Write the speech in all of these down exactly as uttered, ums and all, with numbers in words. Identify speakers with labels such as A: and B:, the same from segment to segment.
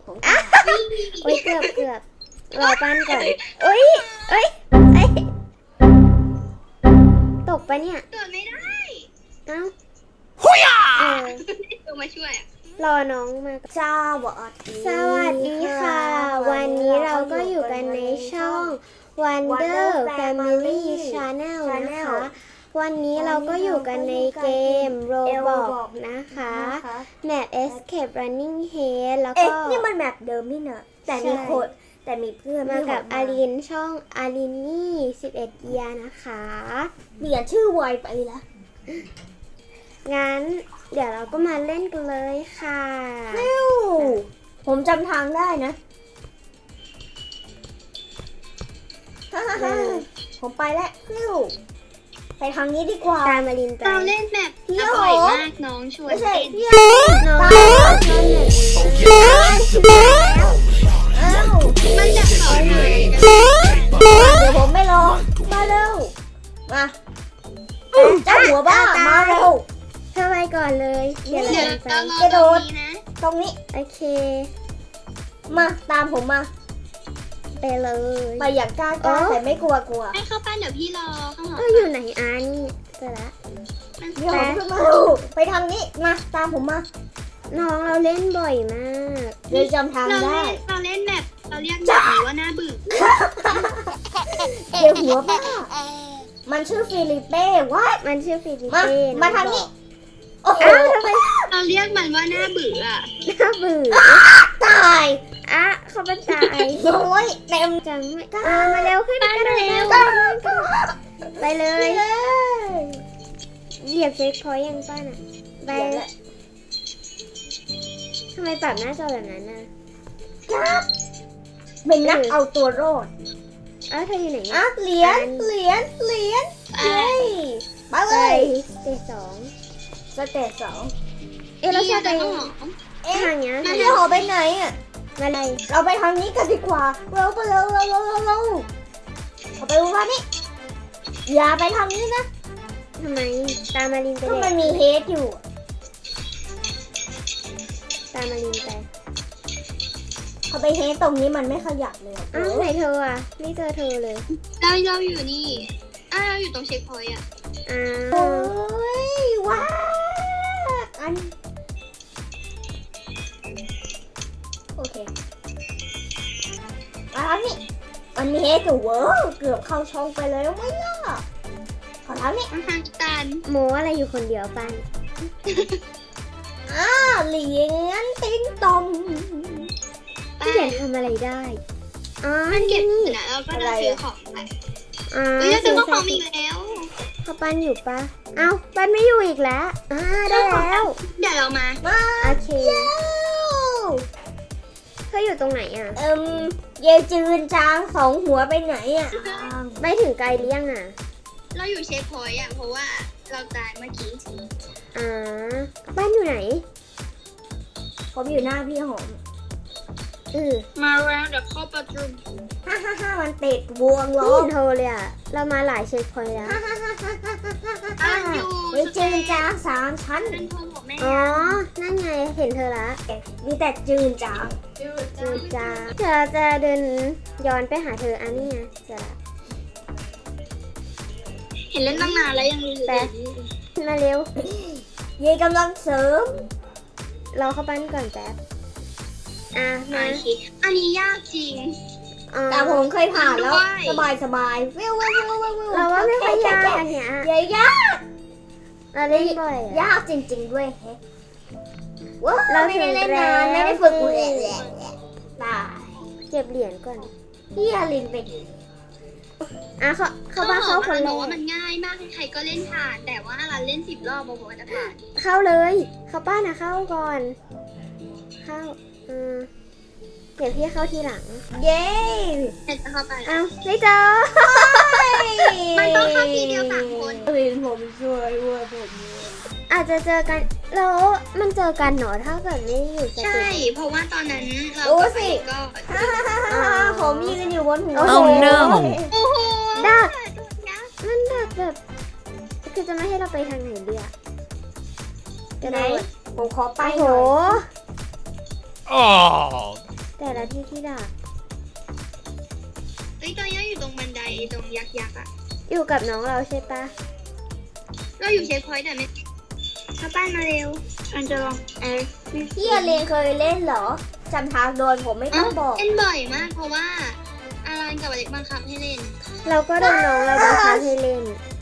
A: ผมอ่ะโอ้ยเกือบเกือบรอปั้นก่อนเอ้ยเอ้ยเอ้ยตกปะเนี่ย
B: เกิดไม่ได้
A: เอ้า
C: หุยอ่ะ
A: เออ
B: ตัวมาช่วยอ่ะ
A: รอน้องมาก่อน
D: สวัสดี
A: สวัสดีค่ะ วันนี้เราก็อยู่กันในช่อง Wonder Family Channel นะคะ วันนี้เราก็อยู่กันในเกม Roblox นะคะ แมป Escape Running Head แล้ว
D: เอ๊ะ
A: ก็
D: นี่มันแมปเดิมนี่เนอะแต่มี
A: ใช่
D: คนแต่มีเพื่อน
A: มากับ
D: ที่
A: อารินช่องอารินนี่สิบเอ็ดเอียนะคะ
D: เปลี่ยนชื่อไวไปละ
A: งั้นเดี๋ยวเราก็มาเล่นกันเลยค่ะ
D: ฟิวผมจำทางได้นะฮ่าฮ่าฮ่าผมไปแล้วฟิวไปทางนี้ดีกว่า
A: ตามอารินไป
B: เราเล่นแบบ
D: พี่
B: อ
D: โอ๋
B: ร่อยมากน้องชวน
D: ไม่ใช่
B: เล่น
D: พี่
A: น้อง
D: ตา
A: ช
D: ย
A: อบเล่นแบบนี้
D: แล้วอ้าว
B: มันจะสอนอะไรกัน
D: เดี๋ยวผมไม่รอมาเร็วมาเจ้าหัวบ้ามาเร็ว
A: เธอไปก่อนเลยเดี๋ยวเรา
B: เดี๋ยว
A: ตามไป
B: เรารอตรงนี้นะ
D: ตรงนี้
A: โอเค
D: มาตามผมมา
A: ไปเลย
D: ไปอย่างกล้ากล้าแต่ไม่กลัวกลัว
B: ให้เข้าปั้นเดี๋ยวพี่รอข้างหลัง
A: เอออยู่ไหนอานี่เจอละ
B: มัน
D: เดี๋ยวผมขึ้นมาดูไปทางนี้มาตามผมมา
A: น้องเราเล่นบ่อยมาก
D: เดี๋ยวจำทาง
B: เรา
D: ได้
B: เล่นเราเล่นแบบเราเรียกแบบนี้ว่าหน้าบึ้ง
D: เดี๋ยวหัวบ้ามันชื่อฟิลิปเป้วะ
A: มันชื่อฟิลิ
D: มา
A: เป้
D: มาทางนี้โอ้โห
A: อ้าวทำไม
B: เราเรียกมันว่าหน้าบึ้งอ่ะ
A: น่าเบื่อ
D: ตาย
A: อ่ะเขาเป็นตาย
D: โอ้ยเต็ม
A: จังไม่อ่ะมาเร็วขึ้น
B: ปั้น
A: กัน
B: เร็
A: เร็
B: ว
A: วไปเลย
D: เลย
A: เหยียบเช็คพอยต์ยังป้าน่ะไปทำไมปรับหน้าจอแบบนั้นน่ะ
D: ครับเป็นนักเอาตัวรอด
A: เอ้าเธออยู่ไหน
D: อ่ะ
A: อ่ะ
D: เหรียญเหรียญเหรียญเย้มา
A: ไป
D: เลย
A: สเตจสอง
D: สเตจสอง
A: เอ๊ะเราจะไป
B: พี่เอาหอม
D: เอ๊ะ
A: ทางเนี้ย
D: พี่หอไปไหนอ่ะ
A: มาเลย
D: เราไปทางนี้กันดีกว่าเร็วไปเร็วเร็วเร็วเร็วเร็วเอาไปว่านี่อย่าไปทางนี้นะ
A: ทำไมตามมารินไป
D: ก็
A: เล
D: มัน
A: ย
D: มีเฮดอยู่
A: ตามมารินไป
D: เขาไปเฮดตรงนี้มันไม่ขยับเลยอะ
A: อ้าวไหนเธออ่ะไม่เจอเธอเลย
B: เราเราอยู่นี่อ่าเราอยู่ตรงเช็คพอยต์อ่ะ
A: อ้า
D: โอ้
A: วย
D: ว้าอันโอเคมาทางนี้มันมีเฮดอยู่เว้ยเกือบเข้าช่องไปเลยไม่ล่ะขอทางนี้
B: มันทางตัน
A: โมอะไรอยู่คนเดียวปัน
D: อ่าเหรียญติ้งตอง
A: พี่เหรียญทำอะไรได้อ๋อ
B: มันเก็บ
A: นี่
B: เสร็จแล้วเราก็จะซื้อของไป
A: อ๋อ
B: เฮ้ยเราซื้อของอีกแล้ว
A: เขาปันอยู่ปะเอ้าปันไม่อยู่อีกแล้วอ่าได้แล้ว
B: เดี๋ยวเรามา
D: มา
A: โอเค
D: เย้
A: เธออยู่ตรงไหนอ่ะ
D: เอิมเยจืนจางสองหัวไปไหนอ่ะ
A: ไม่ถึงไกลหรือยังอ่ะ
B: เราอยู่เช็คพอยต์อ่ะเพราะว่าเราตายเมื่อกี้
A: อ่าบ้านอยู่ไหน
D: ผมอยู่หน้าพี่หอม
A: เออ
B: มาแล้วเดี๋ยวเข้าประตู
D: ฮ่าฮ่าฮ่ามันติดบวงล้
A: ไม่
D: อ
A: เห็นโทรเลยอ่ะ เรามาหลายเช็คพอยต์แล้ว
D: ฮ่าฮ่าฮ่าฮ่าฮ่าฮ่า
B: อ่ะ
D: ฮ่า
B: อยู่
D: เยจืนจางสามชั้น
B: นั่นโทรบอกแม่
A: อ๋อ นั่นไง เห็นเธอละ
D: มีแต่จืนจาง
A: จูจ้าเธอจะเดินย้อนไปหาเธออันนี้ไงเจะละ
B: เห็นเล่นตั้งนานแล้วยังรู้อยู่
A: แปะ มาเร็ว
D: เยกำลังเสริม
A: รอเข้าบ้านก่อนแป๊บ อ่ะ
B: โอ
A: มา
B: เคอันนี้ยากจริง
A: อ๋อ
D: แต่ผมเคยผ่านแล้ว
B: ด้วย
D: สบายสบายวิววิววิววิววิว
A: เราว่าไม่ค่อยยากอันเนี้ย
D: เยยาก
A: เราเล่นบ่อยอะ
D: ยากจริงๆด้วยแฮะว้า
A: เรา
D: ไม่ได้เล่น
A: ถึง
D: นาน
A: แล้ว
D: ไม่ได้ฝึกแหละแหละแหละตาย
A: เก็บเหรียญก่อน
D: พี่อารินไปดิ
A: อ่ะเขาเขาบ้านเข้าคนแร
B: บอกว่ามั
A: ก
B: นง่ายมากใครๆก็เล่นผ่าน แต่ว่าเราเล่นสิบรอบบอกว่าจะผ่าน
A: เข้าเลย เขาป้านะเข้าก่อน เข้าอืมเดี๋ยวพี่เข้าทีหลัง
D: เย้
B: แต่จะเข้าไปแล้ว
A: อ้าวไม่เจอ
B: มันต้องเข้าทีเดียวสามคน
D: อารินผมช่วยว่าผม
A: อาจจะเจอกันแล้วมันเจอกันเหนอถ้าเกิดไม่อยู่ส
B: ใช่
A: ติ
B: เพราะว่าตอนนั้นเรา
D: ดู
B: ก็
D: สิ
B: ก็
D: ฮ่าฮ่าฮ่าฮ่าฮ่าผมยืนอยู่บนหัว
A: โอ้โห
C: no
B: โอ้โห
A: ดัก
B: ยักษ์
A: มันดักแบบ คือจะไม่ให้เราไปทางไหนเดียกระ
D: ไหน
A: โดด
D: ผมขอไป
A: โอ้โห
D: หน่อย
C: Oh,
A: แต่ละที่ที่ดัก
B: เฮ้ยตอนนี้เราอยู่ตรงบันไดตรงยักษ์ยักษ์อะ
A: อยู่กับน้องเราใช่ปะ
B: เราอยู่เช็คพอยต์แต่ไม่เข้าบ้านมาเร็วอันจะลองเออ
D: พี่อลินเคยเล่นเหรอจำทางโดยผมไม่ต้องบอก
B: เล่นบ่อยมากเพราะว่าอารันกับอเล็กบังคับให้เล่น
A: เราก็โดนน้องเราบังคับให้เล่น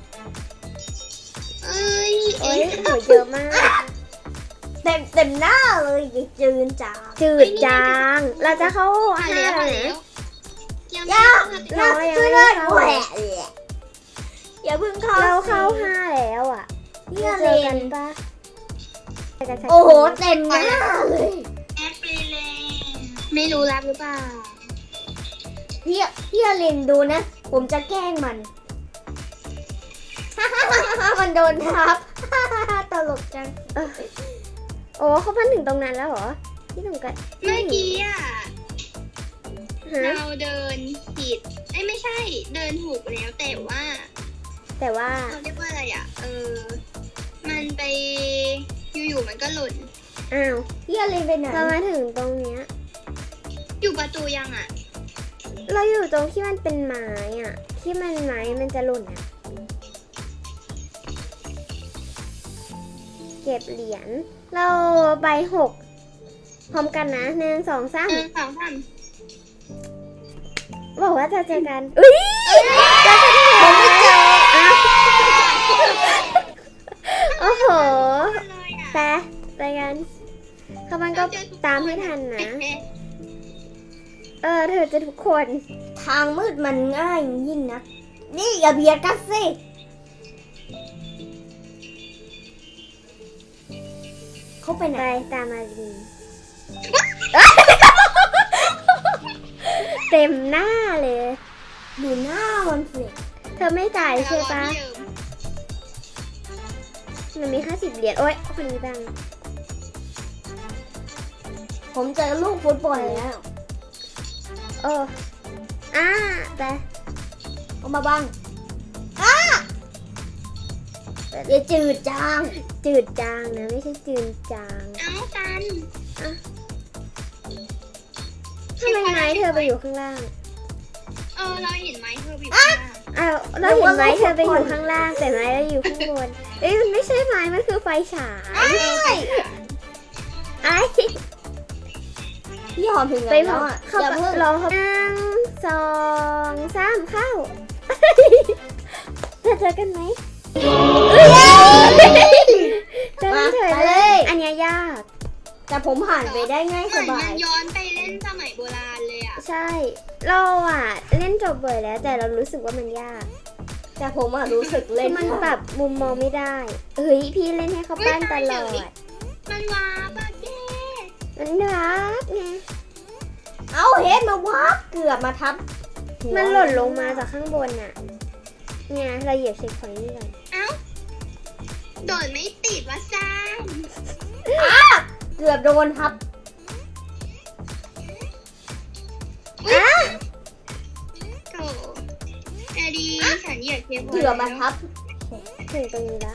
B: เอ้ย
A: โอ้ยหนูเยอะมาก
D: เต็มเต็มหน้าเลยอย่าจืนจ้า
A: จืดจาง เราจะเข้า
B: ผ่าน
A: ห้า
B: แล้วผ่าน
A: นะ
B: แล้วยัง
D: ย่า
B: ไม่
A: น้องยัง
D: ช่วย
A: ไม่
D: ด้วย
A: เข้า
D: แหวะอย่าเพิ่งเข้า
A: เราเข้าห้าแล้วอ่ะ
D: พี่อ
A: เจ
D: ลิ
A: อกัน นปะเจอกันสัก
D: โอ้โห
A: ที
D: เต็มหน้าเลย
B: แอดไปเลยไม่รู้รับหรือเปล่า
D: พี่พี่อลินดูนะ ผมจะแกล้งมัน มันโดนทับ ตลกจัง
A: โอ้เขาพันถึงตรงนั้นแล้วเหรอที่ตรงกัน
B: เมื่อกี้อ่ะ
A: ฮะ
B: เราเดินผิดเอ้ยไม่ใช่เดินถูกแล้วแต่ว่า
A: แต่ว่า
B: เขาเรียกว่าอะไรอ่ะ เออ มันไปอยู่ๆมันก็หล่น
A: อ้าว
D: พี่อลินไปไหน
A: เรามาถึงตรงเนี้ย
B: อยู่ประตูยังอ่ะ
A: เราอยู่ตรงที่มันเป็นไม้อ่ะ ที่มันไม้มันจะหล่นอ่ะ เก็บเหรียญ เราใบหกพร้อมกันนะหนึ่งสองสาม
B: เออสองสาม
A: บอกว่าจะเจอกันอุ้ยเจอกันผมไม่เจออ้าวโอ้โห
B: เลยอ่ะ
A: ไปไปกันเขามันก็ตามให้ทันนะ เออเธอจะทุกคน
D: ทางมืดมันง่ายยิ่งนะ นี่อย่าเบียดกันสิ เขาไปไหน
A: ไปตามมาลีเต็มหน้าเลย
D: ดูหน้ามันสิ
A: เธอไม่จ่ายใช่ปะ
B: เดิม
A: มันมีห้าสิบเหรียญโอ๊ยคนนี้ดัง
D: ผมเจอลูกฟุตบอลแล้ว
A: โอ้อ่าไป
D: เอามาบังอ้าอย่าจืดจาง
A: จืดจางนะไม่ใช่จืดจาง
B: เอ้ากัน
A: ทำไมไม้เธอไปอยู่ข้างล่าง
B: เออเราเห็นไหมเธออยู่ข้างล่าง
A: อ้าวเราเห็นไม้เธอไปอยู่ข้างล่าง แต่ไม้เราอยู่ข้างบนเอ้ยมันไม่ใช่ไม้มันคือไฟฉาย ไอ้
D: พี่หอมถึง
A: ไป
D: แล้ว
A: พอ
D: อ่ะ
A: เข้า
D: อย่า
A: ไป
D: เพิ่ง
A: รอเขาหนึ่งสองสามเข้าเธอเจอกันไหมเจอกันเฉยเลยอันเนี้ยยาก
D: แต่ผมผ่านไปได้ง่าย
B: เห
D: ส
B: มือน
D: บา
B: มั
D: ย
B: นย้อนไปเล่นสมัยโบราณเลยอ่ะ
A: ใช่ เราอ่ะ เล่นจบบ่อยแล้ว แต่เรารู้สึกว่ามันยาก
D: แต่ผมอ่ะรู้สึก
A: เล่
D: เล่
A: น
D: น
A: มันปรับมุมมองไม่ได้เฮ้ยพี่เล่นให้เขาปั้นตลอด
B: มันว้าปะแก
A: มันรักไง
D: เอาเฮ็ดมาวับเกือบมาทับหัว
A: มันหล่นลงมาจากข้างบนน่ะเนี่ยเราเหยียบเช็คพอยต์นี่ก่อน
B: เอ้าโดดไม่ติดวะซ่าน
D: เกือบโดนทับ
A: อ่ะ
B: โถแอดีฉันเหยียดเทียบ
D: เกือบมาทับ
A: ถึงตรงนี้ละ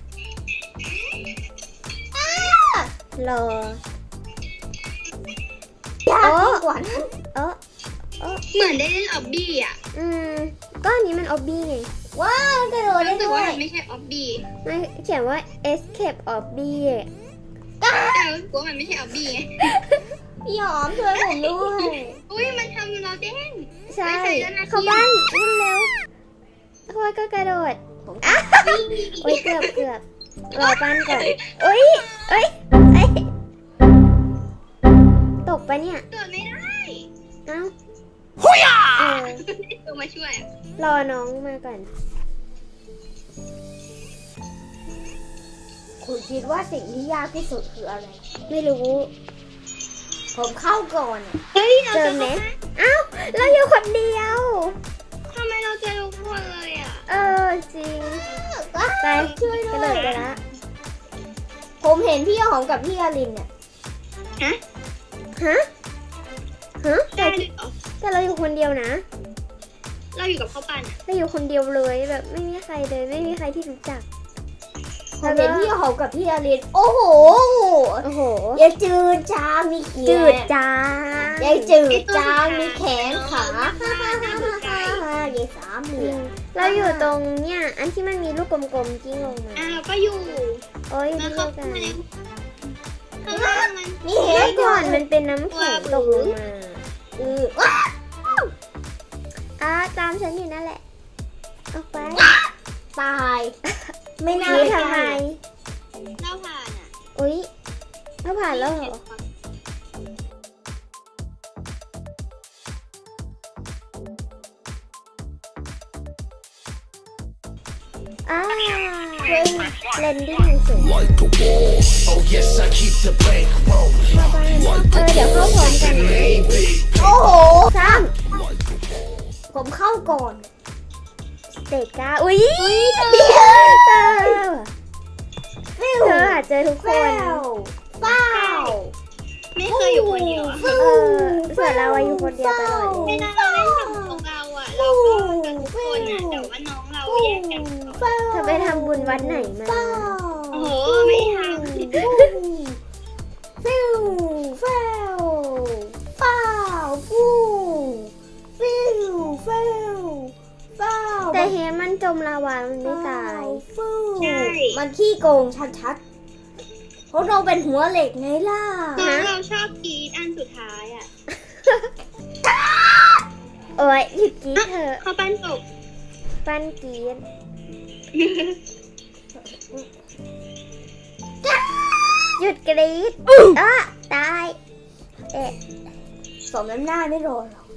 A: รอย
D: ากยิ่งกว่านั้น
A: เออเออ
B: เหมือนได้เล่นออบบี้อ่ะ
A: อืมก็อันนี้มันออบบี้ไง
D: ว้าวกระโดดได้
B: รู้สึก
D: ด้ว
B: ว่าย มันไม่ใช่ออบบี้
A: มันเขียนว่า escape obby
B: แต่รู้สึกว่ามันไม่ใช่ออบบี้ไง
D: พี่หอมช่วยผมด้วย
B: อุ้ยมันทำเราเด้ง
A: ใช่
B: ไม่ใช่แล้วนะ
A: เขาบ้านวิ่งเร็วโอ้ยก็กระโดดอ่ะโอ้ยเกือบเกือบรอปั้นก่อนโอ้ยเอ้ยเอ้ยตกปะเนี่ย
B: โดดไม่ได้
A: เอ้าเออ
B: ตัวมาช่วยอะ
A: รอน้องมาก่อน
D: คุณคิดว่าสิ่งที่ยากที่สุดคืออะไร
A: ไม่รู้
D: ผมเข้าก่อน
B: เฮ้ยเรา
A: เจอ
B: จะ
A: ไหมเอ้าเราอยู่คนเดียว
B: ทำไมเราเจอทุกคนเลยอ่ะ
A: เออจริงไป
D: ช่วยด้
A: กระ
D: ว
A: โด
D: ย
A: ดไปละ
D: ผมเห็นพี่หอมกับพี่อลินเนี่ย
B: ฮะ
A: ฮะฮะแต่
B: ได้ด้วยเหรอ
A: แต่เราอยู่คนเดียวนะ
B: เราอยู่กับข้าวปั้นอ่ะ
A: เราอยู่คนเดียวเลยแบบไม่มีใครเลยไม่มีใครที่รู้จัก
D: ผมเห็นพี่หอมกับพี่อลิน โอ้โห
A: โอ้โห
D: อย่าจืดจางมีเขีย
A: จืดจาง
D: อย่าได้จืดจางมีแขนขาฮ่าฮ่าฮ่าฮ่าฮ่าเยสามเหลี่ยม
A: เราอยู่ตรงเนี่ยอันที่มันมีลูกกลมๆกิ้งลงมา
B: อ่ะเราก็อยู่
A: โอ้ย
B: มา
A: เดี
B: เข้า
A: ยวกัน
B: มาข้างล่างมัน
D: นี่เห็
A: เมื่
D: น
A: อก่อนมันเป็นน้ำแข็งตกลงมา
D: เออว้า
A: อ่ะตามฉันอยู่นั่นแหละออกไป
D: ตาย ไม่น่า
A: นี่
D: ใช่
A: ทำไม
B: เราผ่านอ่ะ
A: อุ้ยเราผ่านแล้วเหรออ่าเฮ้ยเลนดิ้งสวย
C: Like a wall. Oh yes, I keep the bank rolling.
A: เข้าบ้านเออเดี๋ยวเข้าพร้อมกันนะ
C: Baby,
D: โอ้โห
A: สาม
C: like a wall.
D: ผมเข้าก่อน
A: สเตจเก้าอุ้ยเธอเธออาจเจอทุกค
D: เฝ้าน เฝ้า
B: ไม่เคยอยู่คนเดียวอะ
A: เออส่วนเราอะอยู่คนเดียวตลอดเล
B: เวย ลาเราเล่นกับพวกเราอ่ะเราก็กันทุกคนอ่ะแต่ว่าน้องเราแยกกัน
A: เธอไปทำบุญวัดไหนมา
D: เฝ้า
B: โอ้โหไม่ท
D: ฟิวเฝ้าเฝ้าฟูฟิวเฝ้าเฝ้า
A: แต่เฮมันจมลาวามันไม่ตาย
D: ฟูมันขี้โกงชัดๆเพราะเราเป็นหัวเหล็กไงล่ะ
B: ำน้องเราชอบกรีดอันสุดท้ายอ่ะ
A: โอ้ยหยุดกรีดเถอะ
B: เขาปั้นตก
A: ปั้นกรีดหยุดกรีดอ่ะตายเอ๊ะ
D: สมน้ำหน้าไม่รอหรอก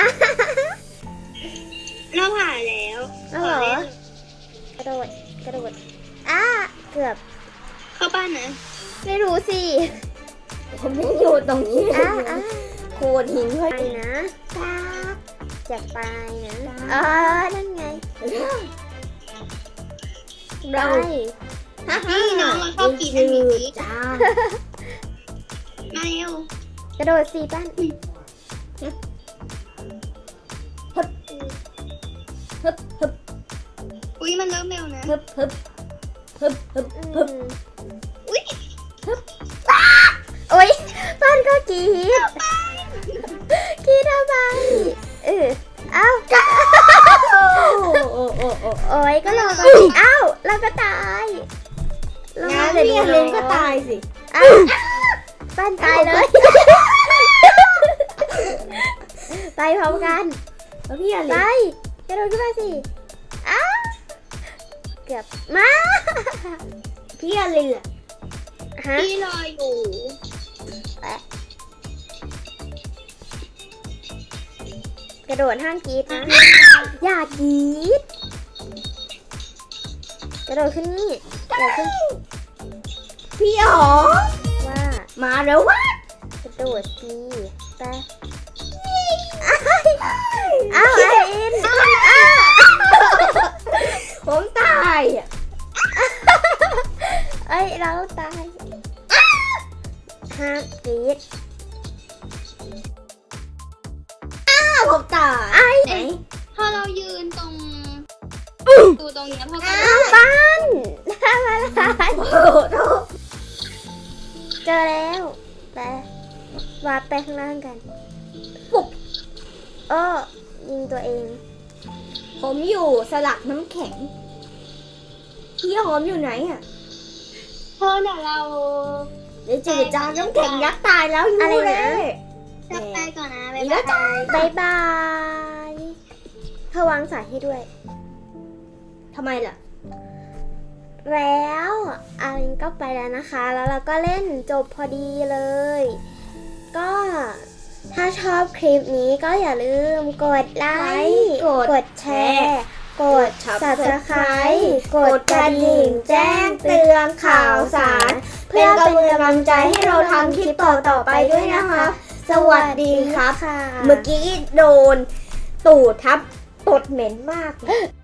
B: เราผ่านแล้ว
A: เอาเหรอกระโดดกระโดดอ่ะเกือบ
B: เข้าบ้านนะ
A: ไม่รู้สิ
D: ผมยังอยู่ตรงนี้
A: อ่ะอ่ะ
D: โขดหินเฮ้
A: ไป
D: ย
A: นะจะไปนะเออนั่นไงไป
B: นี่น้องเราชอบกรีดอันนี้
D: จ้า
B: มาเร็ว
A: กระโดดสี่ปั้น
D: ฮึบฮึบ
B: อุ้ยมันเริ่มเร็วนะ
D: ฮึบฮึบฮึบฮึบฮึบ
B: อุ้ย
A: โอ๊ยปั้นก็กรีดกรีดทำไมเออเอ้า
D: โอ้โอ้โอ้โอ้
A: โอ๊ยก็รอก่อนเอ้าเราก็ตายเรา
D: งั้น
A: ดี๋ว
D: พี่อลินก็ตายสิ
A: เอ้าปั้นตายเลย ไปพร้อมกัน
D: แล้วพี่อ
A: ไป
D: ลิน
A: กระโดดขึ้นมาสิอ้าเกือบมา
D: พี่อลินอะ
A: ฮะ
B: พี่รออยู่
A: กระโดดห้ามกรีดนะ อย่ากรีดกระโดดขึ้นนี่กระโดดขึ้น
D: พี่อ๋อ
A: ว่า
D: มาแล้ววะ
A: กระโดดสิไปอ้าวไออินอ้าว
D: ผมตายอ่ะ
A: เอ้ยเราตายห้ามกรีด
D: อ้าวผมตาย
A: ไอ้
D: ไหน
B: พอเรายืนตรงตูตรงเนี้ยพอก็
A: อ้าวปั้นทำอะไร
D: โอ้โห
A: เจอแล้วไปวาดไปข้างล่างกัน
D: ปุ๊บ
A: โอ้ยิงตัวเอง
D: ผมอยู่สลักน้ำแข็ง พี่หอมอยู่ไหนอ่ะ
B: พอเดี๋ยวเรา
D: เดี๋ยวจืดจางน้ำแข็งยักษ์ตายแล้วอยู่
A: อะไร
D: เล
A: นะ
D: ย
B: จะไปก่อนนะ
D: อี
B: บ๊าย
D: กแล้ว
B: บาย
A: บายบายเธอวางสายให้ด้วย
D: ทำไมล่ะ
A: แล้วอารินก็ไปแล้วนะคะ แล้วเราก็เล่นจบพอดีเลย ก็ถ้าชอบคลิปนี้ก็อย่าลืมกดไลค์
D: กด
A: ดแชร์ กด
D: Subscribe
A: Subscribe กดกระดิ่งแจ้งเตือนข่าวสาร เพื่อเป็นกำลังใจให้เราทำคลิปต่อๆไปด้วยนะคะ
D: สวัสดีครับ
A: ค่ะ
D: เมื่อกี้โดนตูดทับตดเหม็นมากเลย